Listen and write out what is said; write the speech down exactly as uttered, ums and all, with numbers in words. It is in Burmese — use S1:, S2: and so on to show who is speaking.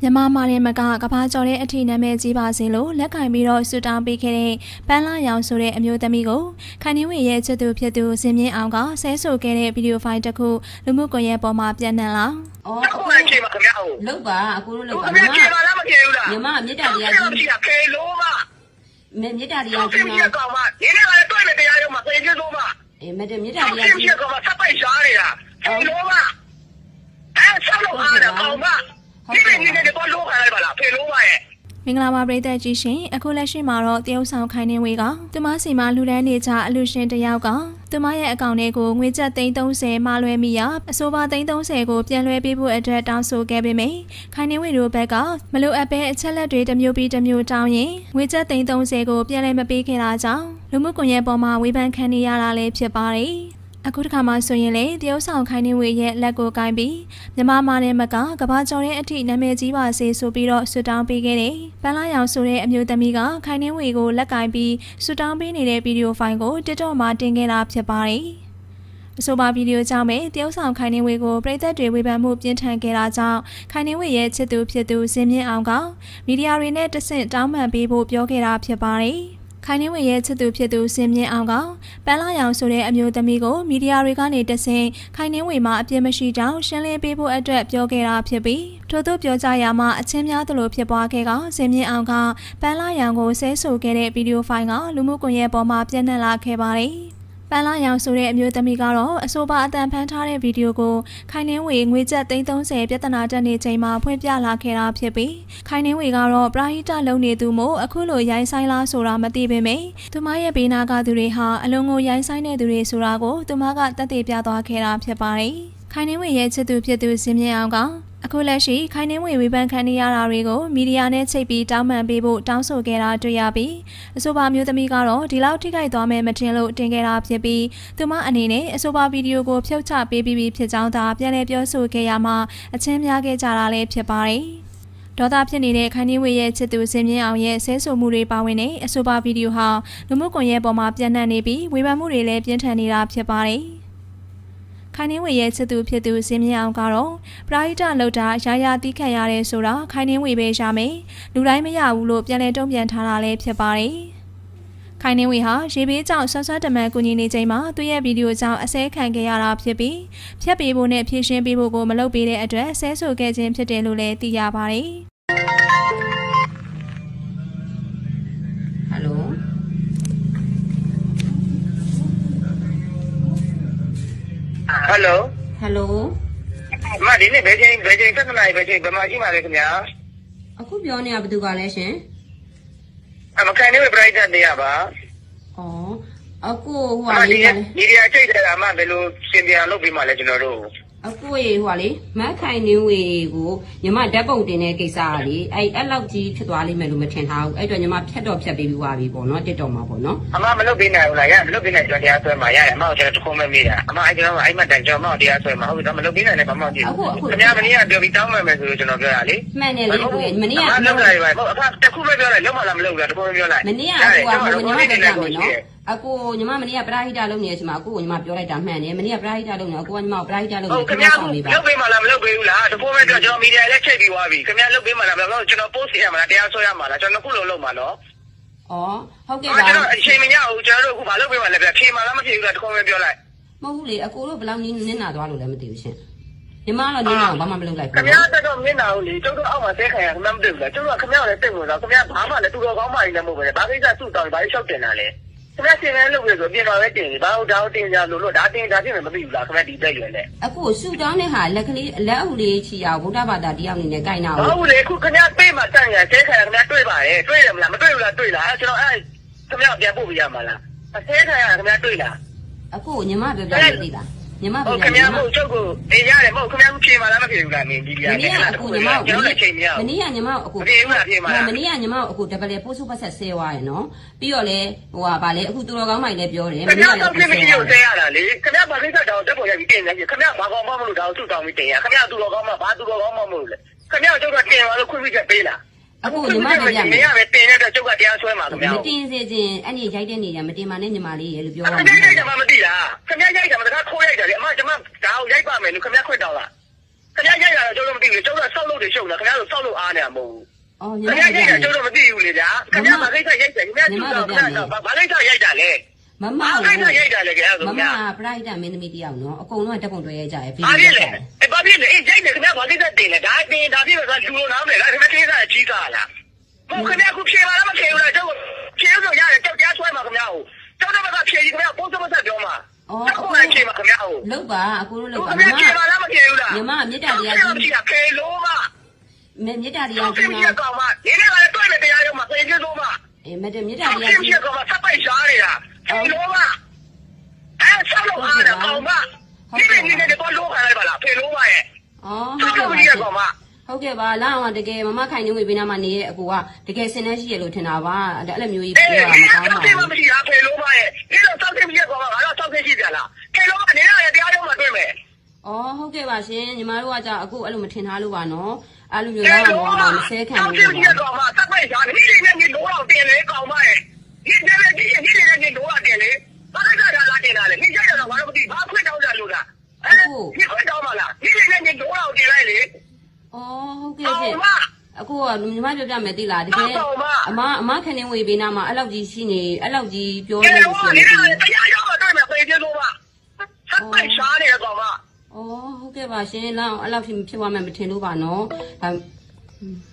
S1: မြန်မာမာရင်မကကဘာကျော်တဲ့အထီနာမည်ကြီးပါစေလို့လက်ကင်ပြီးတော့ဆူတောင်းပေးခဲ့တဲ့ပန်းလာရောင်ဆိုတဲ့အမျိုးသမီးကိုခိုင်နှင်းဝေရဲ့ချစ်သူဖြစ်သူဇင်မြင့်အောင်ကဆဲဆိုခဲ့တဲ့ဗီဒီယိုဖိုင်တစ်ခုလူမှုကွန်ရက်ပေါ်မှာပြန့်နှံ့လာ
S2: ။အော်အခုလည်းချိန်ပါခင်ဗျာ။လောက်ပါအခုတို့လောက်ပါ။ခင်ဗျာချိန်ပါလားမချိန်ဘူးလား။ညီမမေတ္တာတရားကြီးမရှိတာခေလို့မ။မေမေတ္တာတရားကြီးမှာ။ကောင်မဒီနေ့ကလည်းတွေ့နေတရားရုံးမှာခေကျလို့မ။အေးမေတ္တာမေတ္တာတရားကြီး။ကောင်မဆက်ပိုက်ရှားနေတာ။ခေလို့မ။အဲဆက်လို့အားတယ်ကောင်မ။ဒီနေ့ဒီနေ့တော့လောခလိုက်ပါလားခေလို့မရဲ့
S1: မင်္ဂလာပါပရိသတ်ကြီးရှင်အခုလက်ရှိမှာတော့တရုတ်ဆောင်ခိုင်နှင်းဝေကသူမစီမလူတန်းနေကြအလူရှင်တယောက်ကသူမရဲ့အကောင့်ထဲကိုငွေကျပ်သိန်းသုံးဆယ်မှာလွှဲမိရအဆိုပါသိန်းသုံးဆယ်ကိုပြန်လွှဲပေးဖို့အတွက်တောင်းဆိုခဲ့ပေမယ့်ခိုင်နှင်းဝေတို့ဘက်ကမလိုအပ်ပဲအချက်လက်တွေတစ်မျိုးပြီးတစ်မျိုးတောင်းရင်ငွေကျပ်သိန်းသုံးဆယ်ကိုပြန်လဲမပေးခဲ့တာကြောင့်လူမှုကွန်ရက်ပေါ်မှာဝေဖန်ခံနေရတာလည်းဖြစ်ပါတယ်အခုတစ်ခါမှဆိုရင်လေတရုတ်ဆောင်ခိုင်နှင်းဝေရဲ့လက်ကိုကိုင်းပြီးမြမမာနဲ့မကကဘာကျော်တဲ့အထိနာမည်ကြီးပါစေဆိုပြီးတော့ဆွတောင်းပေးခဲ့တယ်။ပန်းလာရောင်ဆိုတဲ့အမျိုးသမီးကခိုင်နှင်းဝေကိုလက်ကိုင်းပြီးဆွတောင်းပေးနေတဲ့ဗီဒီယိုဖိုင်ကို TikTok မှာတင်ခဲ့တာဖြစ်ပါတယ်။အဆိုပါဗီဒီယိုကြောင့်ပဲတရုတ်ဆောင်ခိုင်နှင်းဝေကိုပရိသတ်တွေဝေဖန်မှုပြင်းထန်ခဲ့တာကြောင့်ခိုင်နှင်းဝေရဲ့ချစ်သူဖြစ်သူဇင်မြင့်အောင်ကမီဒီယာတွေနဲ့တဆင့်တောင်းပန်ပေးဖို့ပြောခဲ့တာဖြစ်ပါတယ်။ခိုင်နှင်းဝေရဲ့ချစ်သူဖြစ်သူစင်မြင့်အောင်ကပန်းလာရောင်ဆိုတဲ့အမျိုးသမီးကိုမီဒီယာတွေကနေတဆင့်ခိုင်နှင်းဝေမှာအပြစ်မရှိကြောင်းရှင်းလင်းပေးဖို့အတွက်ပြောခဲ့တာဖြစ်ပြီးထို့သို့ပြောကြရမှာအချင်းများသလိုဖြစ်ပွားခဲ့ကစင်မြင့်အောင်ကပန်းလာရောင်ကိုဆဲဆိုခဲ့တဲ့ဗီဒီယိုဖိုင်ကလူမှုကွန်ရက်ပေါ်မှာပြန့်နှံ့လာခဲ့ပါတယ်ပန်းလာရောင်ဆိုတဲ့အမျိုးသမီးကတော့အဆိုပါအတန်ဖန်ထားတဲ့ဗီဒီယိုကိုခိုင်နှင်းဝေငွေကျပ်သိန်းသုံးဆယ်ပြဿနာတက်နေချိန်မှာဖွင့်ပြလာခဲ့တာဖြစ်ပြီးခိုင်နှင်းဝေကတော့ပရာဟိတလုံနေသူမို့အခုလိုရိုင်းဆိုင်လားဆိုတာမသိပေမယ့်သူမရဲ့ဘေးနာကသူတွေဟာအလုံးကိုရိုင်းဆိုင်တဲ့သူတွေဆိုတာကိုသူမကတက်တည်ပြသွားခဲ့တာဖြစ်ပါတယ်ခိုင်နှင်းဝေရဲ့ချစ်သူဖြစ်သူဇင်မြင့်အောင်ကအခုလက်ရှိခိုင်နှင်းဝေဝေဖန်ခံနေရတာတွေကိုမီဒီယာနဲ့ချိတ်ပြီးတောင်းပန်ပေးဖို့တောင်းဆိုခဲ့တာတွေ့ရပြီးအဆိုပါမျိုးသမီးကတော့ဒီလောက်ထိခိုက်သွားမယ်မထင်လို့တင်ခဲ့တာဖြစ်ပြီးသူမအနေနဲ့အဆိုပါဗီဒီယိုကိုဖြုတ်ချပေးပြီးဖြစ်ကြောင်းသာပြန်လည်ပြောဆိုခဲ့ရမှာအချင်းများခဲ့ကြတာလည်းဖြစ်ပါတယ်ဒေါသဖြစ်နေတဲ့ခိုင်နှင်းဝေရဲ့ချစ်သူဇင်မြင့်အောင်ရဲ့ဆဲဆိုမှုတွေပါဝင်တဲ့အဆိုပါဗီဒီယိုဟာလူမှုကွန်ရက်ပေါ်မှာပြန့်နှံ့နေပြီးဝေဖန်မှုတွေလည်းပြင်းထန်နေတာဖြစ်ပါတယ်ခိုင်နှင်းဝေရဲ့ချစ်သူဖြစ်သူဇင်မြင့်အောင်ကတော့ပရာဟိတလောက်တာရာရာတီးခတ်ရတဲ့ဆိုတာခိုင်နှင်းဝေပဲရမယ်လူတိုင်းမရဘူးလို့ပြန်လည်တုံ့ပြန်ထားတာလည်းဖြစ်ပါတယ်ခိုင်နှင်းဝေဟာရေဘေးကြောင့်ဆွဆွတမန်ကူညီနေချိန်မှာသူ့ရဲ့ဗီဒီယိုကြောင့်အဆဲခံခဲ့ရတာဖြစ်ပြီးဖြတ်ပေးဖို့နဲ့ဖြည့်ရှင်းပေးဖို့ကိုမလုပ်ပေးတဲ့အတွက်ဆဲဆိုခဲ့ခြင်းဖြစ်တယ်လို့လည်းသိရပါတယ်
S2: ဟယ်လို
S3: ဟယ်လို
S2: ဟယ်လို
S3: မဒီနေ့ဘယ်ချိန်ဘယ်ချိန်ဆက်နေဘယ်ချိန်ဘယ်မှာရှိမှာလဲခင်ဗျာ
S2: အခုပြောနေတာဘယ်သူကလဲရှင်
S3: အမကန်နေပရိုက်တာတရားပါ
S2: ဩအခုဟိုဟာလေး
S3: ဒီဒီအချိတ်တယ်အမဘယ်လိုစင်ပြန်လုပ်ပြီးမှလဲကျွန်တော်တို့
S2: အခုရေဟိုဟာလေမတ်ခိုင်နှင်းဝေကိုညီမဓာတ်ပုံတင်တဲ့ကိစ္စကလေအဲ့အဲ့လောက်ကြီးဖြစ်သွားလိမ့်မယ်လို့မထင်ထားဘူးအဲ့တော့ညီမဖြတ်တော့ဖြတ်ပေးပြီးသွားပြီပေါ့နော်တစ်တော်မှာပေါ့နော်
S3: အမမလုပ်ပေးနိုင်ဘူးလားရမလုပ်ပေးနိုင်ကျွန်တော်တရားဆွဲမှာရတယ်အမကျွန်တော်တခုမှမေးတာအမအဲ့ကျွန်တော်အဲ့မှတိုင်ကျွန်တော်မတရားဆွဲမှာဟုတ်ပြီတော့မလုပ်ပေးနိုင်လည်းဘာမှမဖြစ်ဘူးခင်ဗျာမနေ့ကပြောပြီးတောင်းမယ်မယ်ဆိုလို့ကျွန်တော်ပြောရလေ
S2: မှန်တယ်လေကိုမနေ့က
S3: မလုပ်လိုက်ပါဘူးအဖတခုပဲပြောလိုက်လုံးမလားမလုပ်ဘူးလားတခုပဲပြောလိုက်
S2: မနေ့ကအခုကညီမပြောပြမယ်နော်အခုညီမမနေ့ကပရာဟိတလုပ်နေတဲ့အချိန်မှာအခုညီမပြောလိုက်တာမှန်တယ်မနေ့ကပရာဟိတလုပ်နေအခုကညီမပရာဟိတလုပ်နေ
S3: ခင်ဗျာလုပ်ပေးမှလားမလုပ်ပေးဘူးလားတခုပဲပြောကျွန်တော်မီဒီယာလည်းချိန်ပြီးသွားပြီခင်ဗျာလုပ်ပေးမှလားဘယ်တော့ကျွန်တော် post ရမှာလားတရားဆွဲရမှာလားကျွန်တော်ခုလုံးလုံးမှာနော်
S2: ဩဟုတ်ကဲ့ပါ
S3: ကျွန်တော်အချိန်မရဘူးကျွန်တော်တို့အခုမလုပ်ပေးမှလည်းဗျဖြေမှလားမဖြေဘူးလားတခုပဲပြောလိုက်
S2: မဟုတ်ဘူးလေအကိုတို့ဘယ်လောက်နင်းနင်းနာသွားလို့လည်းမသိဘူးရှင်ညီမကတော့နင်းနာဘာမှမလုပ်လိုက်ဘူး
S3: ခင်ဗျာတော့နင်းနာဘူးလေကျုပ်တို့အောက်မှာဆဲခံရခင်ဗျာမသိဘူးလားကျုပ်တို့ကခင်ဗျာလည်းစိတ်ဝင်စားခင်ဗျာဘာမှလည်းသူတော်ကောင်းမှလည်းမဟုတ်ပဲဘာကိစ္စစုတောင်းဘာလျှောက်တင်တာလဲခင်ဗျာစင်လည်းလုပ်ရဆိုပြင်တော်ပဲတင်ဘာလို့ဒါတင်ကြလို့လို့ဒါတင်ဒါပြင်မသိဘူးလားခင်ဗျာဒီတက်ရွယ်နဲ့
S2: အခုဆူတောင်းတဲ့ဟာလက်ကလေးလက်အုပ်လေးချီအောင်ဗုဒ္ဓဘာသာတရားအနေနဲ့ကြိုက်နာ
S3: ဘူးဟုတ်လေအခုခင်ဗျာပေးမှတန့်ရဆဲခံရခင်ဗျာတွေ့ပါတယ်တွေ့တယ်မလားမတွေ့ဘူးလားတွေ့လားကျွန်တော်အဲ့ခင်ဗျာပြန်ပို့ပြရမှာလားအဆဲခံရခင်ဗျာတွေ့လား
S2: အခုညီမပြောပြလို့သိလားညီမပြော
S3: ပြခင်ဗျာမဟုတ်ချုပ်ကိုအေးရတယ်မဟုတ်ခင်ဗျာဖြေမှလားမဖြေဘူးလားမင်းဒီပြရတယ်
S2: အခုညီမကျွန်တော်လည်းချိန်မရဘူးမနေ့ကညီမအခု
S3: ဖြေဘူးလားဖြေမှလား
S2: မနေ့ကညီမအခုဒဘယ်ပို့စုပတ်ဆက်ဆဲသွားရယ်နော်ပြီးတော့လေဟိုဟာဗာလေအခုသူတော်ကောင်းမိုင်လည်းပြောတယ်
S3: မနေ့ကလည်းဖြေမရှိလို့ဆဲရတာလေခင်ဗျာဘာကိစ္စတောင်တက်ပေါ်ရပြီးတင်နေခင်ဗျာဘာကောင်မှမလို့ဒါကိုသူ့တောင်းပြီးတင်ရခင်ဗျာသူတော်ကောင်းမှဘာသူတော်ကောင်းမှမလို့လေခင်ဗျာကျုပ်ကတင်ပါလို့ခွင့်ပြုချက်ပေးလား
S2: အခုညီမပြောပြမယ်
S3: မင်းကပဲတင်ရတဲ့ကျုပ်ကတရားဆွဲမှာခင်ဗျာ
S2: မတင်စေခြင်းအဲ့ဒီရိုက်တဲ့နေရမတင်ပါနဲ့ညီမလေးရေလို့ပြောရ
S3: မှာခင်ဗျာရိုက်တယ်မှမသိလားခင်ဗျာရိုက်တယ်မှတခါခိုးရိုက်တယ်လေအမကျွန်မဒါကိုရိုက်ပါမယ်လို့ခင်ဗျာခွင့်တောင်းလားခင်ဗျာရိုက်တာတော့ကျွန်တော်မသိဘူးကျွန်တော်ဆောက်လို့တွေရှုပ်နေတာခင်ဗျာတို့ဆောက်လို့အားနေမှာမဟုတ်ဘူး
S2: အော်ညီ
S3: ခင်
S2: မ
S3: ဗျာ
S2: ပြော
S3: ရိုက်
S2: ပြ
S3: တာ
S2: မယ်
S3: ကျွန်တော်မသိဘူးလေဗျာခင်ဗျာမကိစ္စရိုက်တယ်ခင်ဗျာကျူတော့ခင်ဗျာဘာကိစ္စရိုက်တာလဲ
S2: မမ
S3: ဘာ
S2: ကို
S3: ကိစ္စရိုက်တာလဲခင်ဗျာ
S2: မ
S3: ဆို
S2: မ
S3: ဗျာ
S2: ကပရိုက်တာမင်းသမီးတယောက်နော်အကုန်လုံးကတက်ပုံတွဲရကြရဗီဒီ
S3: ဘာ
S2: ယို
S3: ဖြစ်
S2: ရို
S3: လဲ
S2: က်တယ်
S3: အဲဘာဖြစ်လဲအေးရိုက်တယ်ခင်ဗျာဘာကိစ္စတင်လဲဒါတင်ဒါပြည့်တော့လူလိုနားမလဲခင်ဗျာကိစ္စအကြီးကားလားဟုတ်ခင်ဗျာခုဖြေပါလားမဖြေဘူးလားကျွန်တော်ဖြေလို့ရတယ်ကြောက်ကြားဆွဲမှာခင်ဗျာဟိုကျောင်းတော့ကဖြေကြီးခင်ဗျာပိုးစမဆက်ပြောမှာ
S2: အော်
S3: အခုမှဖြေမှာခင်ဗျာဟို
S2: လောက်ပါအခုတို့လောက်ပါ
S3: ခင်
S2: မ
S3: ဗျာ
S2: မ
S3: ဖြေပါလားမဖြေဘူးလား
S2: ညီမမေတ္တာတရား
S3: ဖြေ
S2: ကြီး
S3: ဖြေလို့မ
S2: မေမေတ္တာတရား
S3: ဖြေ
S2: ကြီး
S3: ဖြေ
S2: နော်
S3: ကောင်မနေနေကလည်းတွေ့မယ်တရားရုံးမှာပြင်ကျလို့မ
S2: အေးမေတ္တာမေတ္တာ
S3: ဖြေ
S2: တရား
S3: ဖြေ
S2: ကြီး
S3: ကောင်မဆက်ပိုက်ရှားနေတာဖြေလို့မအဲဆောက်လို့အားတယ်ကောင်မဒီနေ့နေနေတော့လို့ခါလိုက်ပါလားဖြေလို့မရဲ့
S2: အော်
S3: ဆော
S2: ဟုတ်
S3: က်
S2: ကဲ့
S3: လို့
S2: ပါ
S3: မရကောင်မ
S2: ဟုတ်ကဲ့ပါလာအောင်တကယ်မမခိုင်နေဝေပေးနာမှာနေရဲ့အကူကတကယ်စင်နေရှိရလို့ထင်တာပါအဲ့လိုမျိုးကြီး
S3: အေး
S2: ပြောရ
S3: ဒီ
S2: မှာ
S3: ဆော
S2: ကော
S3: က်
S2: င်းပါ
S3: တယ်
S2: ဘူး
S3: မရှိတာဖြေလို့မရဲ့ဒီတော့ဆောက်တယ်မရှိကောင်မငါတော့ဆောက်တယ်ရှိကြလားဖြေလို့မနေရတရားရုံးမှာတွေ့မယ်
S2: အော်ဟုတ်ကဲ့ပါရှင်ညီမတို့ကကြာအခုအဲ့လိုမထင်ထားလို့ပါနော်အဲ့လိုမျိုးလာအောင်တော့မဆဲခံလို့
S3: ဆောက်တယ်
S2: ပါ
S3: ရှိကောင်မဆက်ပိုက်ရှားနေဒီနေ့နေလို့တော့တင်လေကောင်မရဲ့ဒီနေ့ဒီနေ့ဒီနေ့နေလို့တော့တင်လေဘာကစားလာတင်လာလေဒီကျတော့ဘာလို့မသိဘာခွင့်တောင်းကြလို့လားဒီခွင့်တောင်းမလားဒီနေ့နေလို့တော့တင်လိုက်လေ
S2: အော်ဟုတ်ကဲ့ရှင်အခုကညီမပြောပြမယ်သိလားတကယ်အမအမခနေဝေပေးနာမှာအဲ့လောက်ကြီးရှိနေအဲ့လောက်ကြီးပြောနေလို့ရှိရင်
S3: တရားရောက်တော့တွေ့မယ်ပြေပြေလို့ပါဆက်ပိုက်ရှားနေကောင်မ
S2: အော်ဟုတ်ကဲ့ပါရှင်လာအောင်အဲ့လောက်ဖြစ်ဖြစ်သွားမှမထင်လို့ပါနော်ဒါ